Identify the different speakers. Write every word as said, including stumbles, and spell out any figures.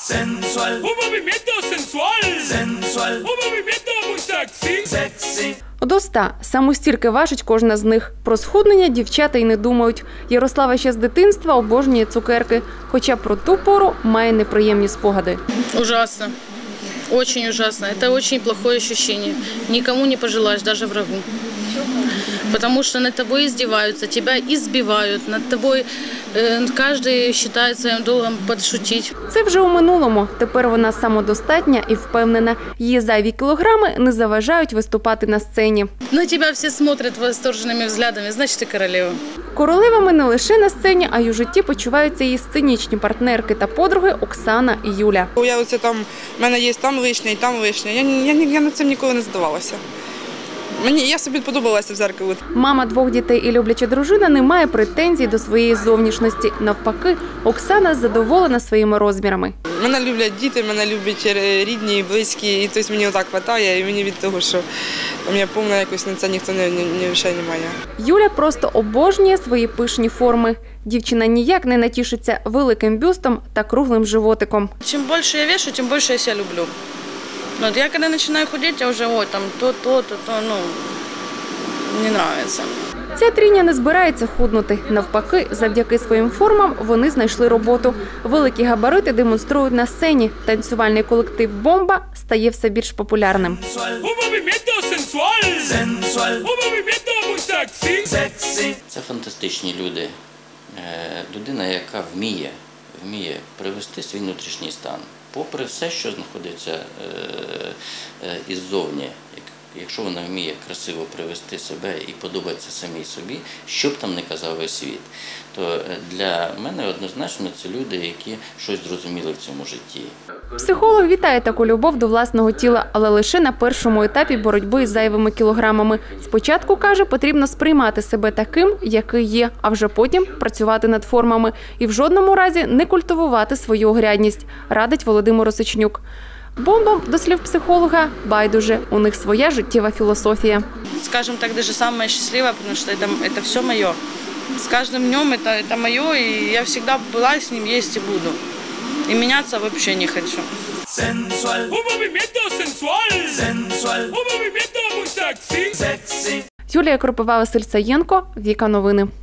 Speaker 1: Sensual. Un movimiento sensual. Sensual. Un movimiento muy sexy. Sexy.
Speaker 2: До ста. Саме стільки важить кожна з них. Про схуднення дівчата й не думають. Ярослава ще з дитинства обожнює цукерки. Хоча про ту пору має неприємні спогади.
Speaker 3: Ужасно. Очень ужасно. Это очень плохое ощущение. Никому не пожелаешь, даже врагу. Потому что над тобой издеваются, тебя избивают, над тобой э, каждый считает своим долгом подшутить.
Speaker 2: Це вже у минулому. Тепер вона самодостатня і впевнена. Її зайві кілограми не заважають виступати на сцені.
Speaker 3: На тебя все смотрят восторженными взглядами, значит, ты королева.
Speaker 2: Королевами не лише на сцені, а й у житті почуваються її сценічні партнерки та подруги Оксана і Юля.
Speaker 4: Я оце там, в мене є там вишня і там вишня. Я, я, я над цим ніколи не здавалася. Мені, я собі подобалася в зеркалі.
Speaker 2: Мама двох дітей і любляча дружина не має претензій до своєї зовнішності. Навпаки, Оксана задоволена своїми розмірами.
Speaker 4: Мене люблять діти, мене люблять рідні, близькі, і тобто мені отак вистачає, і мені від того, що у мене повна якось на це ніхто не, не, не вважає немає.
Speaker 2: Юля просто обожнює свої пишні форми. Дівчина ніяк не натішиться великим бюстом та круглим животиком.
Speaker 3: Чим більше я вешу, тим більше я себе люблю. Вот я когда начинаю худеть, я уже, ой, там то, то, то, то, ну, не нравится.
Speaker 2: Ця трійня не збирається худнути. Навпаки, завдяки своїм формам вони знайшли роботу. Великі габарити демонструють на сцені. Танцювальний колектив «Бомба» стає все більш популярним.
Speaker 5: Це фантастичні люди. Людина, яка вміє, вміє привести свій внутрішній стан. Попри все, що знаходиться е, е, іззовні, якщо вона вміє красиво привести себе і подобається самій собі, що б там не казав весь світ, то для мене однозначно це люди, які щось зрозуміли в цьому житті.
Speaker 2: Психолог вітає таку любов до власного тіла, але лише на першому етапі боротьби з зайвими кілограмами. Спочатку, каже, потрібно сприймати себе таким, який є, а вже потім працювати над формами. І в жодному разі не культивувати свою огрядність, радить Володимир Осичнюк. Бомбам, до слів психолога, байдуже. У них своя життєва філософія.
Speaker 3: Скажем так, даже самое счастливое, потому что это, это все мое. С каждым днем это, это мое, и я всегда была с ним, есть и буду. И меняться вообще не хочу.
Speaker 1: Sensual. Un movimiento sensual. Sensual. Un movimiento muy sexy. Sexy.
Speaker 2: Юлія Кропива, Василь Саєнко, Віка Новини.